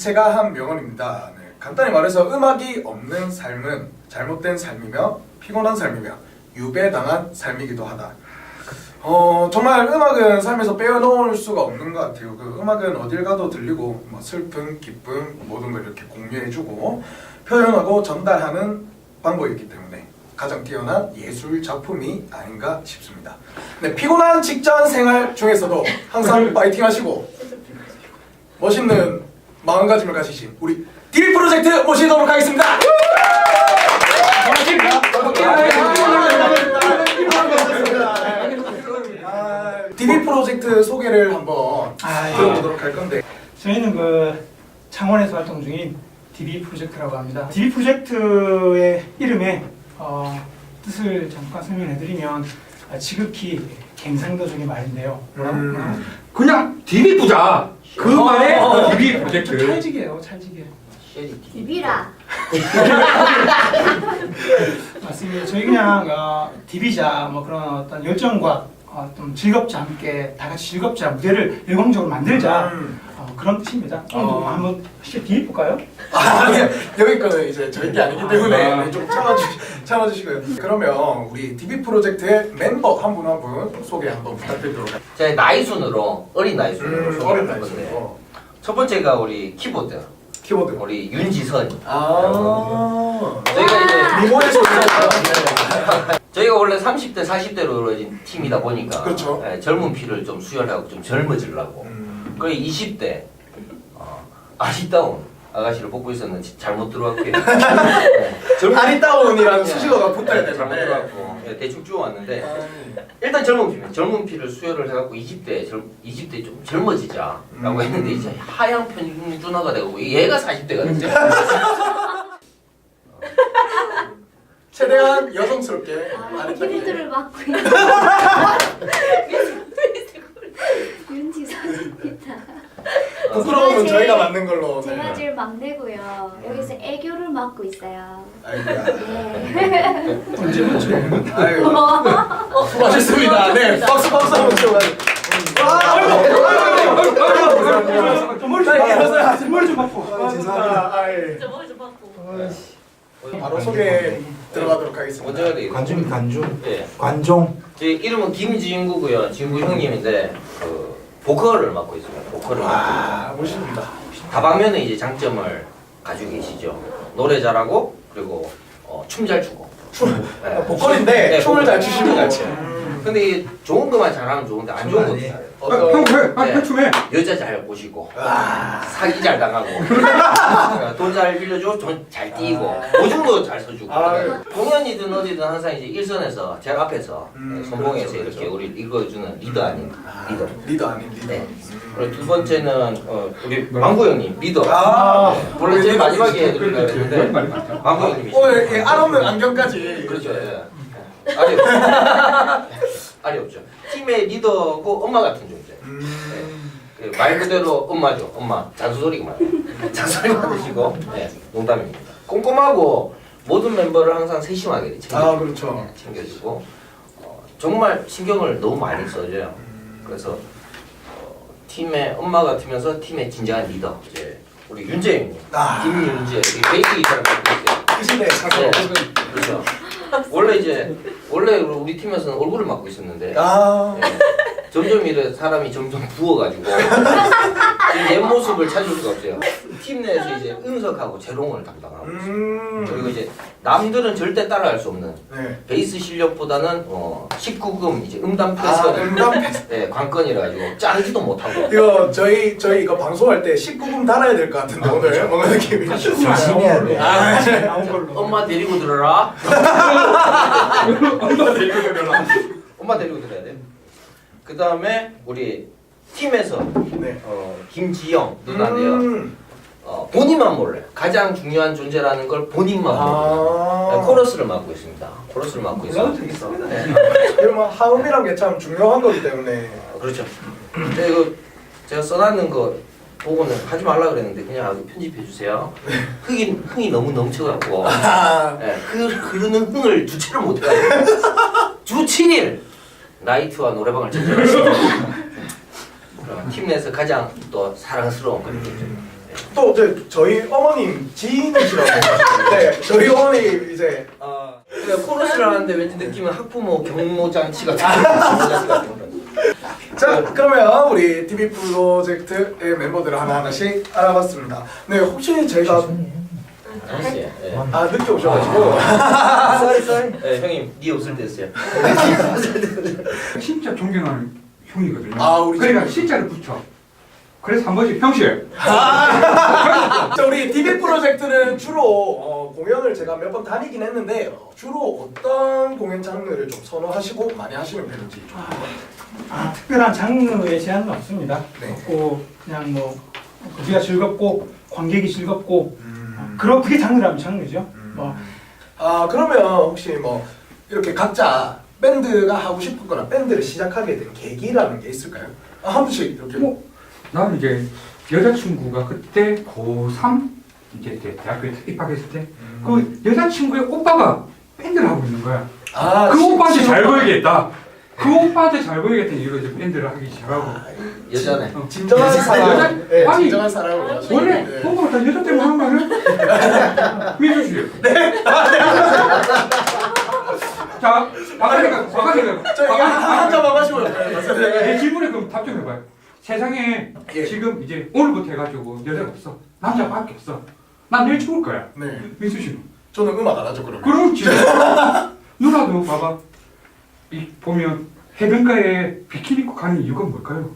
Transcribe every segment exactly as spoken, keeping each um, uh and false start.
제가 한 명언입니다. 네, 간단히 말해서 음악이 없는 삶은 잘못된 삶이며 피곤한 삶이며 유배당한 삶이기도 하다. 어 정말 음악은 삶에서 빼놓을 수가 없는 것 같아요. 그 음악은 어딜 가도 들리고 뭐 슬픔, 기쁨 모든 걸 이렇게 공유해주고 표현하고 전달하는 방법이기 때문에 가장 뛰어난 예술 작품이 아닌가 싶습니다. 네, 피곤한 직장 생활 중에서도 항상 파이팅 하시고 멋있는 마음가짐을 가지신 우리 디비 프로젝트 모시도록 하겠습니다. 디비 프로젝트 소개를 한번 아, 들어보도록 할 건데, 저희는 그 창원에서 활동 중인 디비 프로젝트라고 합니다. 디비 프로젝트의 이름의 어, 뜻을 잠깐 설명해드리면 아, 지극히 갱상도적인 말인데요. 음. 그냥 디비 부자 그 말에 디비 프로젝트. 찰지게요, 찰지게. 디비라. 맞습니다. 저희 그냥 어, 디비자 뭐 그런 어떤 열정과 어, 좀 즐겁지 않게 다 같이 즐겁지 않은 무대를 열광적으로 만들자 음. 어, 그런 뜻입니다. 좀 어. 한번 혹시 디비 볼까요? 아, 아니, 여기 거는 이제 저희 게 아니기 때문에 아. 네, 좀 참아주, 참아주시고요. 그러면 우리 디비 프로젝트의 멤버 한 분 한 분 소개 한번 부탁드리도록 할게요. 제 나이 순으로 어린 나이 순으로 음, 어린 소개할 나이 건데, 순으로. 첫 번째가 우리 키보드 키보드. 우리 윤지선. 아. 저희가 이제 미모에서 저희가 원래 삼십 대 사십 대로 이루어진 팀이다 보니까 그렇죠. 예, 젊은 피를 좀 수혈하고 좀 젊어지려고. 음. 그리고 이십 대 어, 아리따운 아가씨를 뽑고 있었는데 잘못 들어왔고요. 예, 젊은 아리따운이라는 예, 수식어가 붙어야 예, 되는데. 잘못 들어왔고 예, 대충 쭈어왔는데 아. 일단 젊은 피면 젊은 피를 수혈을 해갖고 이십 대 젊 이십 대 좀 젊어지자라고 음. 했는데 이제 하향 평준화가 되고 얘가 사십 대가 됐죠. 최대한 여성스럽게 아, 아리따게. 키보드를 맡고 있는 윤지선입니다. 부끄러우면 제가 저희가 제일- 만든 걸로. 제가 네. 제일 막내고요. 여기서 애교를 맡고 있어요. 아이고야. 네. 언제 먼저? 아이고. 수고하셨습니다. 네, 박수 박수 한번 치워가지고. 아, 아이고, 아이고, 아이고, 아이고. 머리 좀 바꿔. 머리 좀 바꿔. 아, 죄송합니다. 아, 예. 바로 소개 들어가도록 하겠습니다. 먼저 해야 되겠네. 관중 관중 예. 관종 제 이름은 김지인구고요. 진구 형님인데 그 보컬을 맡고 있습니다. 보컬을 맡고 아, 멋있습니다. 있습니다. 다방면에 이제 장점을 가지고 계시죠. 노래 잘하고 그리고 어, 춤 잘 추고. 네. 보컬인데 네, 춤을 잘 보컬. 추시는 춤을 것 잘 같아요. 춰요. 근데 이 좋은 것만 잘하면 좋은데 안 좋은 것도 춤 잘해요. 아, 형 왜? 아, 네. 해춤해. 여자 잘 꼬시고 와. 사기 잘 당하고 돈 잘 빌려주고 돈 잘 띄고 보증도 잘 서주고 아유. 공연이든 어디든 항상 이제 일선에서 제일 앞에서 음, 선봉에서 그렇죠, 이렇게 그렇죠. 우리 읽어주는 리더 아닌 아, 리더. 리더 아닌 리더. 네. 그리고 두 번째는 어, 우리 망구 형님 리더. 아, 네. 원래 제일 마지막에 해드릴까 그렇지. 했는데 말이 많다. 망구 형님이 오늘 이 알없는 안경까지. 그렇죠. 예. 알이 없죠. 알이 없죠. 팀의 리더고 엄마 같은 존재. 음. 네. 말 그대로 엄마죠. 엄마 잔소리가 많아요. 잔소리 많으시고 네. 농담입니다. 꼼꼼하고 모든 멤버를 항상 세심하게 챙겨주고, 아, 그렇죠. 챙겨주고 어, 정말 신경을 너무 많이 써줘요. 그래서 어, 팀의 엄마 같으면서 팀의 진정한 리더 이제 우리 윤재 형님, 아. 김윤재 이 베이스 기타를 맡고 있어요. 그 시대에 가서. 네. 그렇죠. 원래 이제 원래 우리 팀에서는 얼굴을 맡고 있었는데 아. 네. 점점 이래 사람이 점점 부어가지고 지금 옛 모습을 찾을 수가 없어요. 팀 내에서 이제 은석하고 재롱을 담당하고 음. 그리고 이제 남들은 절대 따라할 수 없는 네. 베이스 실력보다는 어, 십구 금 이제 음담 아, 패스 음담 패스. 네, 관건이라 가지고 짜르지도 못하고 이거 저희 저희 이거 방송할 때 십구 금 달아야 될 것 같은데 오늘 뭔가 느낌이. 조심해야 돼. 아, 나온 걸로. 엄마 데리고 들어라. 엄마 데리고 들어라. 엄마 데리고 들어야 돼. 그 다음에 우리 팀에서 네. 어, 김지영 누나인데요. 음. 어, 본인만 몰래 가장 중요한 존재라는 걸 본인만 몰래 네, 아. 코러스를 맡고 있습니다. 코러스를 맡고 있어요. 몰라도 되겠습니다. 네. 이러면 하음이란 게 참 중요한 거기 때문에. 어, 그렇죠. 근데 이거 제가 써놨는 거 보고는 하지 말라 그랬는데 그냥 아주 편집해 주세요. 흥이 흥이 너무 넘쳐갖고 아. 네, 그 흐르는 흥을 주체를 못해가지고 주 칠 일 나이트와 노래방을 전전했습니다. 팀 내에서 가장 또 사랑스러운 그런 게 좀. 네. 또 이제 저희 어머님 지인이시라고. 네, 저희 어머니 이제 아, 그러니까 코러스를 하는데 왠지 느낌은 학부모 경모 장치 같은 경모 장치 같은 거. 자, 그러면 우리 티비 프로젝트의 멤버들을 하나하나씩 알아봤습니다. 네, 혹시 저희가 아저씨, 예. 아 늦게 오셔가지고 쏘리 쏘리. 예, 형님, 네 없을 때였어요. 진짜 존경하는 형이거든요. 아, 우리 그러니까 지금- 진짜를 붙여. 그래서 한 번씩 평시에 자, 우리 티비 프로젝트는 주로 어, 공연을 제가 몇 번 다니긴 했는데 어, 주로 어떤 공연 장르를 좀 선호하시고 많이 하시는 편인지 좀. 아, 특별한 장르의 제한은 없습니다. 네. 없고 그냥 뭐 우리가 즐겁고 관객이 즐겁고 음. 그런 그게 장르라면 장르죠. 음. 뭐 아, 그러면 혹시 뭐 이렇게 각자 밴드가 하고 싶거나 밴드를 시작하게 된 계기라는 게 있을까요? 아, 한 분씩 이렇게. 뭐 나는 이제 여자친구가 그때 고삼 이제 대- 대학교에 입학했을 때 그 여자친구의 오빠가 밴드를 하고 있는 거야. 아, 그 시- 오빠한테 잘 시작을- 보이겠다. 그 오빠한테 잘 보이겠다 이거 이제 밴드를 하기 시작하고. 아, 여자네. 진정한 여자- 사랑. 여자- 네, 아니, 진정한 사랑을 원하시는. 원래 네. 뭔가 다 여자 때문에 하는 거 아니야? 민수 씨. 네. 자, 바가지가 바가지가 저 이거 한 잔만 마시고요. 내 질문에 그럼 답 좀 해봐요. 세상에 예. 지금 이제 오늘부터 해가지고 여자가 없어. 남자밖에 없어. 난 내일 죽을 거야. 네, 민수 씨는. 저는 음악 안 하죠 그러면. 그렇지. 누나도 봐봐. 이 보면 해변가에 비키니 입고 가는 이유가 뭘까요?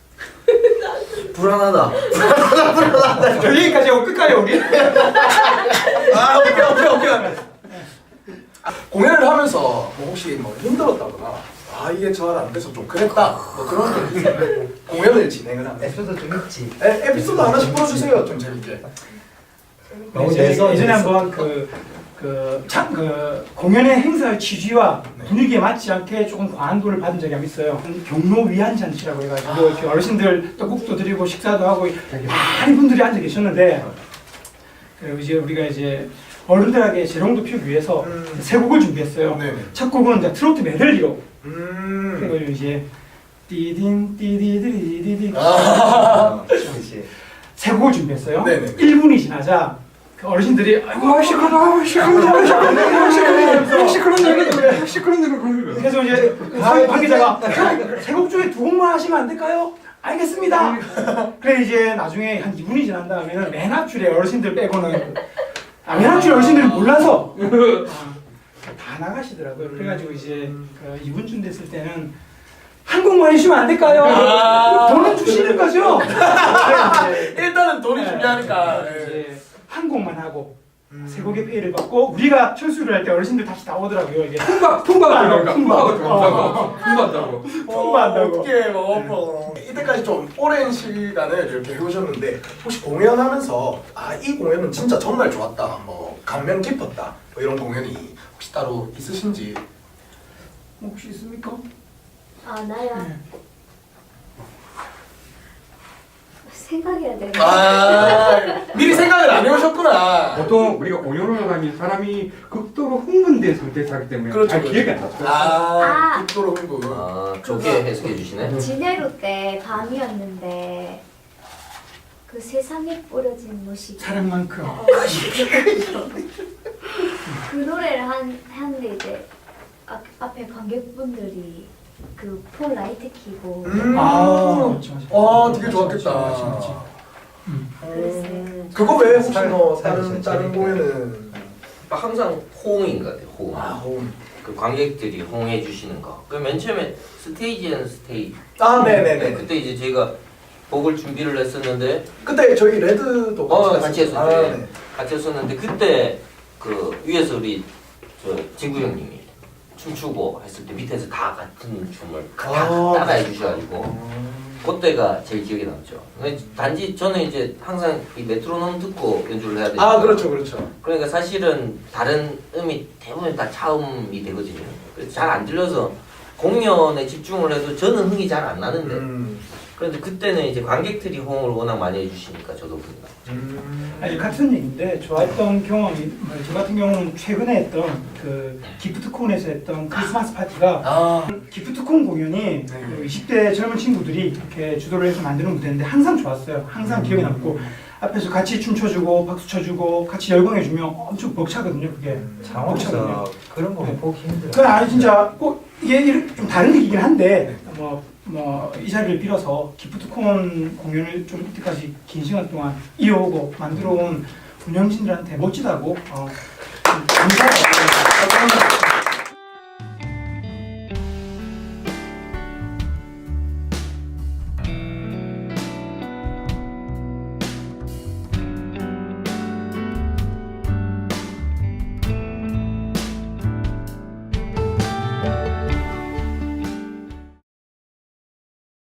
불안하다. 여기까지 하고 끝까지 우리. 아, 오케이 오케이 오케이. 아, 공연을 하면서 뭐 혹시 뭐 힘들었다거나 아 이게 잘 안 돼서 좀 그랬다 뭐 그런 게 있어요. 공연을 진행을 하면 에피소드 좀 있지. 에, 에피소드 하나씩 풀어주세요 좀 재밌게. 너무 예전에, 내서 예전에 내서. 한번 그, 그, 참, 그 공연의 행사의 취지와 네. 분위기에 맞지 않게 조금 과한 돈을 받은 적이 한 번 있어요. 경로 위안 잔치라고 해가지고 이렇게 어르신들 떡국도 드리고 식사도 하고 많은 분들이 앉아 계셨는데 그리고 이제 우리가 이제 어른들에게 재롱도 피우기 위해서 음. 세 곡을 준비했어요. 네네. 첫 곡은 이제 트로트 메들리로 음. 그리고 이제 띠딘 띠디디디디디 아. 그렇지. 세 곡을 준비했어요. 네네네. 일 분이 지나자 그 어르신들이 아이고 아 시끄러워 시끄러워 시끄러워 시끄러워 시끄러워 시끄러워 그래서 이제 관- 관계자가 세 곡 중에 두 곡만 하시면 안 될까요? 알겠습니다. 그래 이제 나중에 한 이 분이 지난 다음에는 맨 앞줄에 어르신들 빼고는 아, 맨 앞줄에 어르신들이 몰라서 아, 다 나가시더라고요. 그래가지고 이제 그 이 분쯤 됐을 때는 한 곡만 해주시면 안 될까요? 아. 돈은 주시는 거죠? 일단은 돈이 네. 중요하니까. 네. 이제 한 곡만 하고 음. 세 곡의 페이를 받고 우리가 철수를 할 때 어르신들 다시 나오더라고요. 이게 풍바 풍바가 들어간다 풍바가 어. 들어간다고 풍바한다고 풍부한다고. 어떻게 뭐 이때까지 좀 오랜 시간을 이렇게 해오셨는데 혹시 공연하면서 아 이 공연은 진짜 정말 좋았다, 뭐 감명 깊었다, 뭐 이런 공연이 혹시 따로 있으신지. 혹시 있습니까? 아 나야. 네. 생각해야 돼. 아 미리 생각을 안 해오셨구나. 보통 우리가 공연을 하면 사람이 극도로 흥분된 상태에서 하기 때문에 그렇죠, 잘 그렇죠. 기억이 안 나죠. 아 아. 극도로 흥분. 아, 좋게 해석해 주시네. 진해로 때 밤이었는데 그 세상에 뿌려진 무식. 사랑만큼. 어, 그 노래를 한 하는데 이제 앞, 앞에 관객분들이 그 폴 라이트 켜고 음. 아, 맞죠, 맞죠. 와 되게 좋았겠다. 맞지, 맞지. 그랬어요. 그거 외에 혹시 스타일, 뭐 스타일 다른 진짜 다른 재밌게. 공연은 항상 호응인 것 같아요. 호응. 아 호응. 그 관객들이 호응해 주시는 거. 그 맨 처음에 스테이지는 스테이지. 아 네, 네네네. 그때 이제 저희가 곡을 준비를 했었는데 그때 저희 레드도 어 같이 같이 했었죠. 했었죠. 아, 예. 네. 같이 했었는데 그때 그 위에서 우리 저 진구 형님이 춤추고 했을 때 밑에서 다 같은 춤을 다 아, 따라해 주셔가지고 그때가 제일 기억에 남죠. 근데 단지 저는 이제 항상 이 메트로놈 듣고 연주를 해야 되니까. 아 그렇죠 그렇죠. 그러니까 사실은 다른 음이 대부분 다 차음이 되거든요. 그래서 잘 안 들려서 공연에 집중을 해도 저는 흥이 잘 안 나는데 음. 그런데 그때는 이제 관객들이 호응을 워낙 많이 해주시니까 저도 흥이 나죠. 음. 아니 같은 얘기인데 좋았던 경험이 뭐저 같은 경우는 최근에 했던 그 기프트콘에서 했던 크리스마스 파티가 아 기프트콘 공연이 그 이십 대 젊은 친구들이 이렇게 주도를 해서 만드는 무대인데 항상 좋았어요. 항상 기억에 남고 앞에서 같이 춤춰주고 박수 쳐주고 같이 열광해주면 엄청 벅차거든요. 그게. 창원에서 그런 거 네. 보기 힘들어. 그건 아니 진짜 꼭 이게 일- 좀 다른 얘기긴 한데 뭐 뭐 이 자리를 빌어서 기프트콘 공연을 좀 이때까지 긴 시간 동안 이어오고 만들어온 운영진들한테 멋지다고 어, 좀 감사하다고